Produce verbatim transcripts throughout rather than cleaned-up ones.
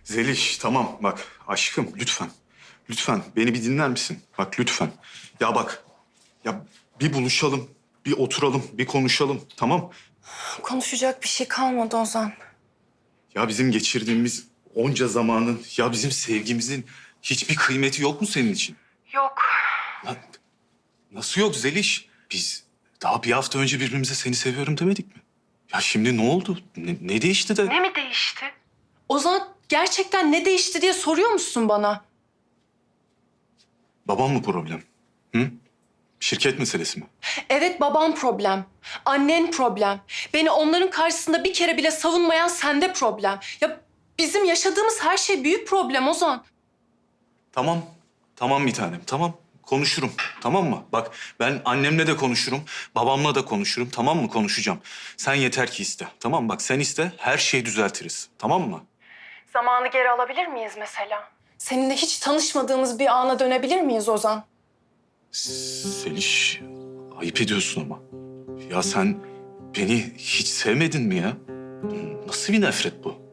Zeliş tamam bak aşkım lütfen. Lütfen beni bir dinler misin? Bak lütfen. Ya bak ya bir buluşalım, bir oturalım, bir konuşalım tamam? Konuşacak bir şey kalmadı Ozan. Ya bizim geçirdiğimiz onca zamanın, ya bizim sevgimizin hiçbir kıymeti yok mu senin için? Yok. Lan, nasıl yok Zeliş? Biz daha bir hafta önce birbirimize seni seviyorum demedik mi? Ya şimdi ne oldu? Ne, ne değişti de? Ne mi değişti? Ozan gerçekten ne değişti diye soruyor musun bana? Babam mı problem? Hı? Şirket meselesi mi? Evet, babam problem. Annen problem. Beni onların karşısında bir kere bile savunmayan sende problem. Ya bizim yaşadığımız her şey büyük problem Ozan. Tamam. Tamam bir tanem. Tamam. Konuşurum. Tamam mı? Bak ben annemle de konuşurum. Babamla da konuşurum. Tamam mı? Konuşacağım. Sen yeter ki iste. Tamam mı? Bak sen iste. Her şeyi düzeltiriz. Tamam mı? Zamanı geri alabilir miyiz mesela? Seninle hiç tanışmadığımız bir ana dönebilir miyiz Ozan? Seliş, ayıp ediyorsun ama. Ya sen beni hiç sevmedin mi ya? Nasıl bir nefret bu?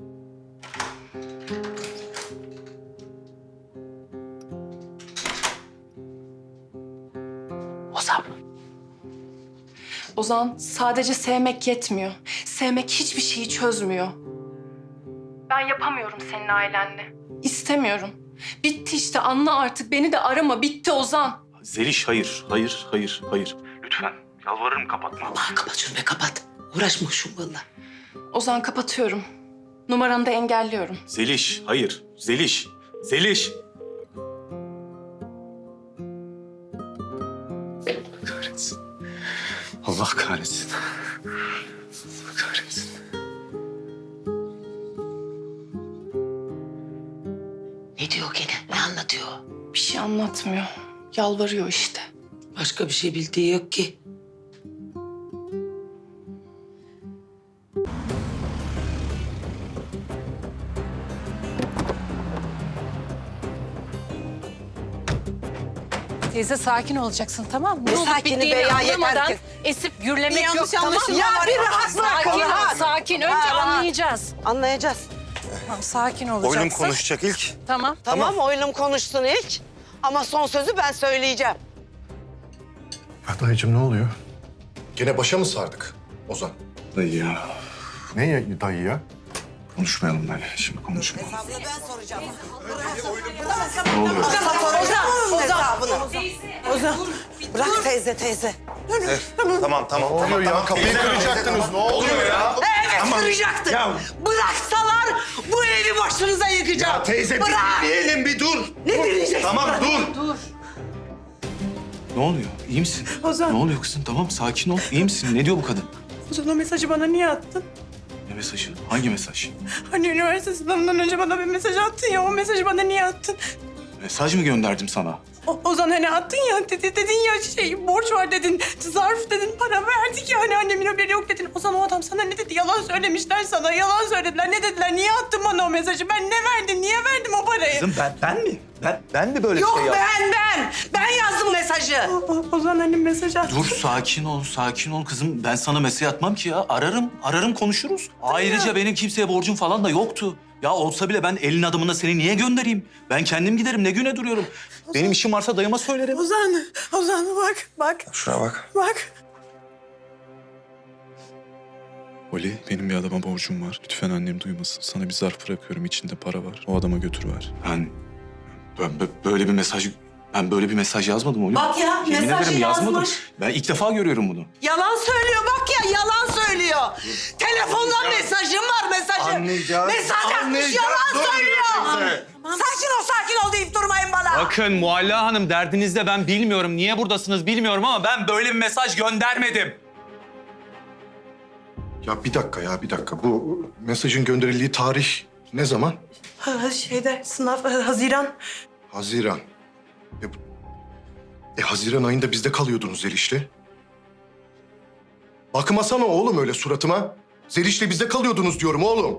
Ozan. Ozan, sadece sevmek yetmiyor. Sevmek hiçbir şeyi çözmüyor. Ben yapamıyorum senin ailenle. İstemiyorum. Bitti işte, anla artık. Beni de arama. Bitti Ozan. Zeliş hayır, hayır, hayır, hayır. Lütfen, yalvarırım kapatma. Aa, kapat şunu be kapat. Uğraşma şunlarla. Ozan, kapatıyorum. Numaranı da engelliyorum. Zeliş, hayır. Zeliş, Zeliş. Kahretsin. Allah kahretsin. Allah kahretsin. Ne diyor gene? Ne anlatıyor? Bir şey anlatmıyor. Yalvarıyor işte. Başka bir şey bildiği yok ki. Teyze sakin olacaksın, tamam mı? Ne olup sakini bittiğini be ya, anlamadan yeter ki. esip gürlemek Bir yok, yanlış tamam mı? anlaşılma var Ya ya. bir rahat bırak, Sakin ol, rahat. sakin. Önce Ha, rahat. anlayacağız. Anlayacağız. Tamam, sakin olacaksın. Oylum konuşacak ilk. Tamam. Tamam, oylum konuşsun ilk. Ama son sözü ben söyleyeceğim. Ya dayıcığım ne oluyor? Gene başa mı sardık Ozan? Dayı ya, Ne ya, dayı ya? konuşmayalım böyle. Şimdi konuşmayalım. Hesabını ben soracağım. Ne oluyor? Ozan, hesabını. Ozan, bırak teyze, teyze. Tamam tamam. Ne oluyor ya? Kapıyı kıracaktınız. Ne oluyor ya? Evet, kıracaktık. Ya- Bıraksalar bu evi başınıza yıkacağım. Ya teyze bir Bırak. dinleyelim bir dur. Ne dinleyeceksin? Tamam dur. Ne oluyor? İyi misin? Ozan. Ne oluyor kızım? Tamam sakin ol. İyi misin? Ne diyor bu kadın? Ozan, o mesajı bana niye attın? Ne mesajı? Hangi mesaj? Hani üniversite sınavından önce bana bir mesaj attın ya, o mesajı bana niye attın? Mesaj mı gönderdim sana? O, Ozan hani attın ya, dedi, dedin ya şey, borç var dedin, zarf dedin, para verdik ya, hani annemin haberi yok dedin. Ozan, o adam sana ne dedi? Yalan söylemişler sana, yalan söylediler. Ne dediler? Niye attın bana o mesajı? Ben ne verdim? Niye verdim o parayı? Kızım ben, ben mi? Ben, ben mi böyle Yok bir şey yaptım? ben, ben. Ben yazdım mesajı. O- o- Ozan hani mesaj attı. Dur sakin ol, sakin ol kızım. Ben sana mesaj atmam ki ya. Ararım, ararım konuşuruz. Ayrıca benim kimseye borcum falan da yoktu. Ya olsa bile ben elin adamına seni niye göndereyim? Ben kendim giderim, ne güne duruyorum. Benim işim varsa dayıma söylerim. Ozan, Ozan bak, bak, Şuna bak. bak. Oli, benim bir adama borcum var. Lütfen annem duymasın. Sana bir zarf bırakıyorum. İçinde para var. O adama götür ver. Ben, ben bö- böyle bir mesaj... Ben böyle bir mesaj yazmadım oğlum. Bak ya, Yemin mesajı ederim yazmadım. yazmış. Ben ilk defa görüyorum bunu. Yalan söylüyor bak ya, yalan söylüyor. Telefondan mesajım var, mesajım. Anlayacağız. Mesaj atmış, Anlayacağız. yalan Dur söylüyor. teyze. Sakin ol, sakin ol deyip durmayın bana. Bakın Mualla Hanım, derdinizde ben bilmiyorum. Niye buradasınız bilmiyorum ama ben böyle bir mesaj göndermedim. Ya bir dakika ya bir dakika. Bu mesajın gönderildiği tarih ne zaman? Ha, şeyde, sınav, e, Haziran. Haziran. E, bu- e Haziran ayında bizde kalıyordunuz Zeliş'le. Bakmasana oğlum öyle suratıma. Zeliş'le bizde kalıyordunuz diyorum oğlum.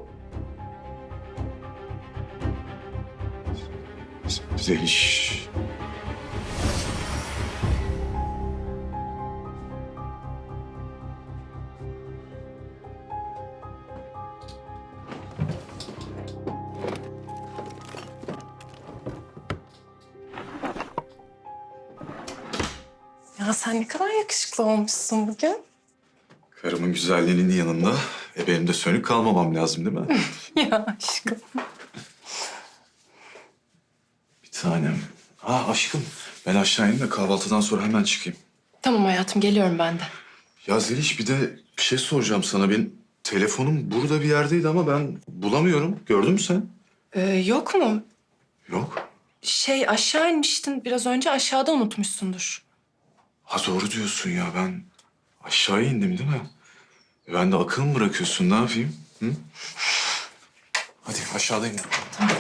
Zeliş. Ya sen ne kadar yakışıklı olmuşsun bugün. Karımın güzelliğinin yanında e benim de sönük kalmamam lazım değil mi? Ya aşkım. Bir tanem. Ha aşkım ben aşağı ineyim de kahvaltıdan sonra hemen çıkayım. Tamam hayatım, geliyorum ben de. Ya Zeliş bir de bir şey soracağım sana. Benim telefonum burada bir yerdeydi ama ben bulamıyorum. Gördün mü sen? Ee, yok mu? Yok. Şey, aşağı inmiştin biraz önce, aşağıda unutmuşsundur. Ha doğru diyorsun ya ben aşağıya indim değil mi? E, ben de akıl mı bırakıyorsun ne yapayım? Hı? Hadi aşağıdayım. Tamam.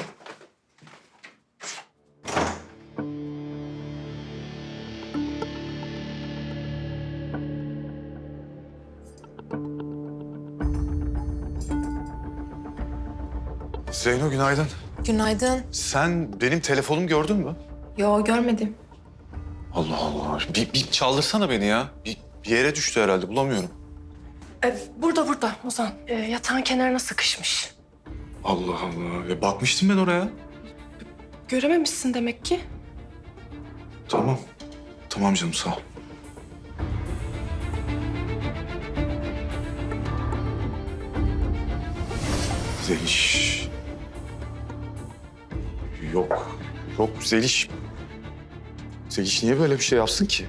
Zeyno günaydın. Günaydın. Sen benim telefonumu gördün mü? Yo, görmedim. Allah Allah. Bir, bir çaldırsana beni ya. Bir, bir yere düştü herhalde bulamıyorum. Ee, burada burada Ozan. Ee, yatağın kenarına sıkışmış. Allah Allah. E, bakmıştım ben oraya. Görememişsin demek ki. Tamam. Tamam canım sağ ol. Zeliş. Yok. Yok Zeliş. Zeliş niye böyle bir şey yapsın ki?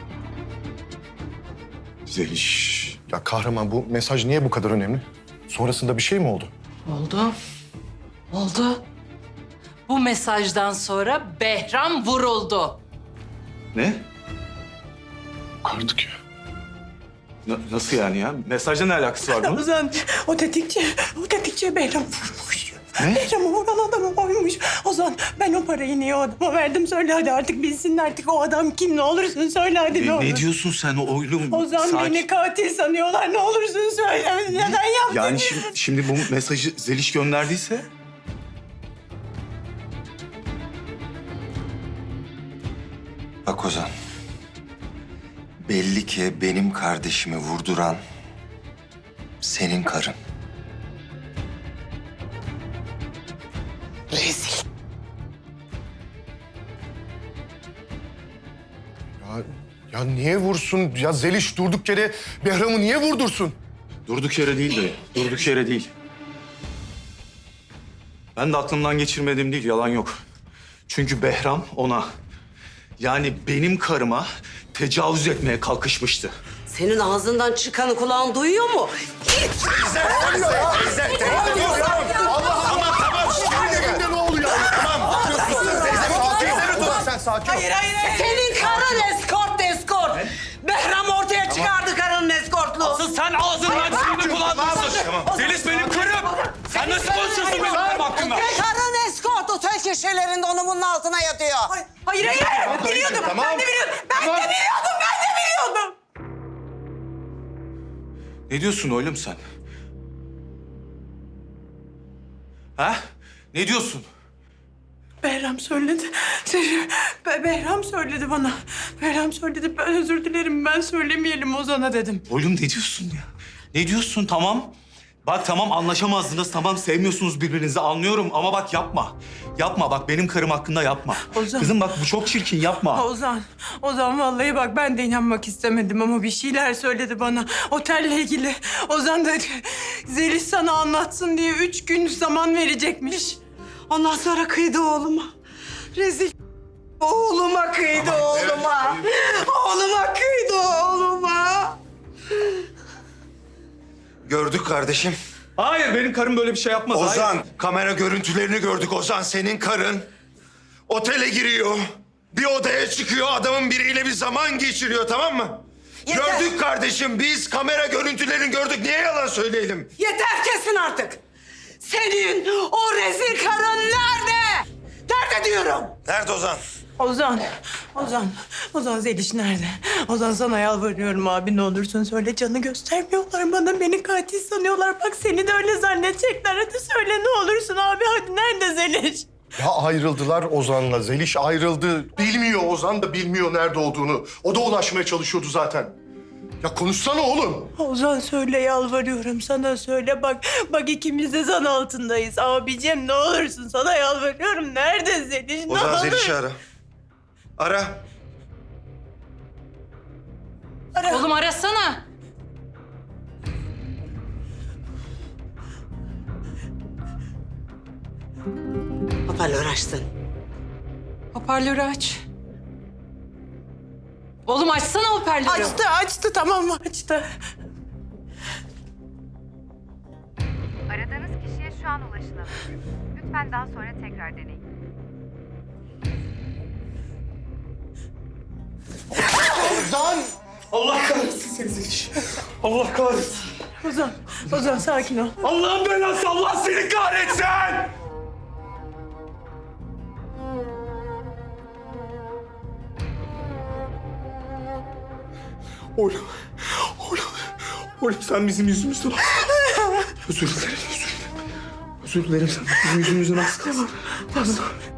Zeliş. Ya kahraman bu mesaj niye bu kadar önemli? Sonrasında bir şey mi oldu? Oldu. Oldu. Bu mesajdan sonra Behram vuruldu. Ne? Artık ya. Na- nasıl yani ya? Mesajla ne alakası var bunun? Ozan o tetikçi, o tetikçi Behram vurmuş. Ne? Behram'ı vuran adamı oymuş. Ozan ben o parayı niye o adama verdim söyle hadi artık bilsin artık o adam kim ne olursun söyle hadi ne Ne, olur. ne diyorsun sen oğlum? Ozan Sakin. beni katil sanıyorlar ne olursun söyle neden yaptın? Yani şimdi, şimdi bu mesajı Zeliş gönderdiyse... Bak Ozan. Belli ki benim kardeşimi vurduran senin karın. Rezil. Ya, ya niye vursun? Ya Zeliş durduk yere Behram'ı niye vurdursun? Durduk yere değil de, durduk yere değil. Ben de aklımdan geçirmediğim değil, yalan yok. Çünkü Behram ona, yani benim karıma tecavüz etmeye kalkışmıştı. Senin ağzından çıkanı kulağın duyuyor mu? Evinde ne oluyor? Tamam. Sakin ol. Sen sakin ol. Hayır hayır. Senin karın eskort eskort. Behram ortaya çıkardı karının eskortluğu. Asıl sen ağzından çıktığını kullanmışsın. Zeliş benim karım. Sen nasıl konuşuyorsun benim karım hakkında? Karın eskort otel köşelerinde onu bunun altına yatıyor. Hayır hayır hayır biliyordum Tamam. ben de biliyordum ben de biliyordum ben de biliyordum. Ne diyorsun oğlum sen? Ha? Ne diyorsun? Behram söyledi. Be- Behram söyledi bana. Behram söyledi. Ben özür dilerim. Ben söylemeyelim Ozan'a dedim. Oğlum ne diyorsun ya? Ne diyorsun tamam? Bak tamam anlaşamazdınız, tamam sevmiyorsunuz birbirinizi anlıyorum ama bak yapma. Yapma bak benim karım hakkında yapma. Ozan. Kızım bak bu çok çirkin yapma. Ozan, Ozan vallahi bak ben de inanmak istemedim ama bir şeyler söyledi bana otelle ilgili. Ozan da Zeliş sana anlatsın diye üç gün zaman verecekmiş. Ondan sonra kıydı oğluma. Rezil. Oğluma kıydı oğluma. Oğluma kıydı oğluma. Gördük kardeşim. Hayır benim karım böyle bir şey yapmaz. hayır. Ozan, kamera görüntülerini gördük Ozan. Senin karın otele giriyor. Bir odaya çıkıyor, adamın biriyle bir zaman geçiriyor, tamam mı? Yeter. Gördük kardeşim, biz kamera görüntülerini gördük. Niye yalan söyleyelim? Yeter kesin artık. Senin o rezil karın nerede? Nerede diyorum? Nerede Ozan? Ozan, Ozan, Ozan Zeliş nerede? Ozan sana yalvarıyorum abi ne olursun söyle canı göstermiyorlar bana beni katil sanıyorlar. Bak seni de öyle zannedecekler hadi söyle ne olursun abi hadi nerede Zeliş? Ya ayrıldılar Ozan'la. Zeliş ayrıldı. Bilmiyor Ozan da bilmiyor nerede olduğunu. O da ulaşmaya çalışıyordu zaten. Ya konuşsana oğlum. Ozan söyle yalvarıyorum sana söyle bak. Bak ikimiz de zan altındayız abicim ne olursun sana yalvarıyorum. Nerede Zeliş? Ne Ozan olur? Zeliş'i ara. Ara. Ara. Oğlum arasana. Hoparlör açtın. Hoparlörü aç. Oğlum açsana hoparlörü. Açtı, açtı. Tamam mı? Açtı. Aradığınız kişiye şu an ulaşılamıyor. Lütfen daha sonra tekrar deneyin. Ozan! Allah kahretsin seni Zeliş. Allah kahretsin. Ozan, Ozan sakin ol. Allah'ın belası, Allah seni kahretsin! Oğlum, oğlum, oğlum sen bizim yüzümüzden... Özür dilerim, özür dilerim. Özür dilerim, sen bizim yüzümüzden az kalsın. Az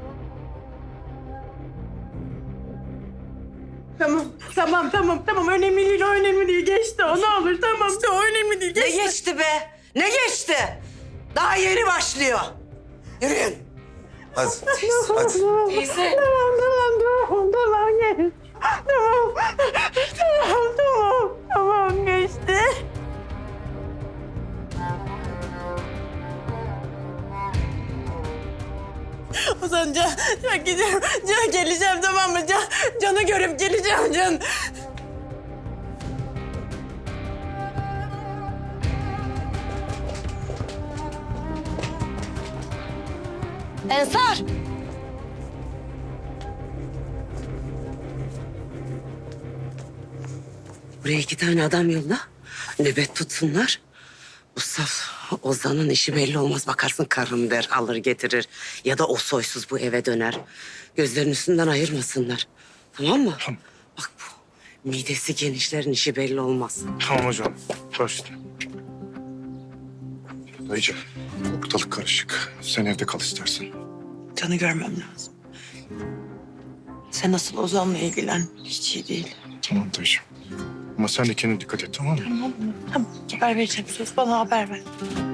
Tamam, tamam, tamam, tamam. Önemli değil, o önemli değil. Geçti o, ne olur. Tamam, o önemli değil. Ne Geçti. geçti be? Ne geçti? Daha yeni başlıyor. Yürüyün. Hadi. Hadi. Teyze. Tamam, tamam, tamam, tamam. Gel. Tamam, tamam, tamam. Tamam, geçti. Ozan, Can, Can gidiyorum. Can geleceğim, tamam mı? Can, Can'ı görüp geleceğim, Can. Ensar! Buraya iki tane adam yolla. Nöbet tutsunlar. Bu saf Ozan'ın işi belli olmaz. Bakarsın karım der, alır getirir. Ya da o soysuz bu eve döner. Gözlerinin üstünden ayırmasınlar. Tamam mı? Tamam. Bak bu midesi genişlerin işi belli olmaz. Tamam hocam. Başla. Dayıcığım, ortalık karışık. Sen evde kal istersen. Can'ı görmem lazım. Sen nasıl Ozan'la ilgilen. Hiç iyi değil. Tamam dayıcığım. Ama sen de kendine dikkat et, tamam mı? Tamam mı? Tamam. Haber vereceğim. Söz bana haber ver.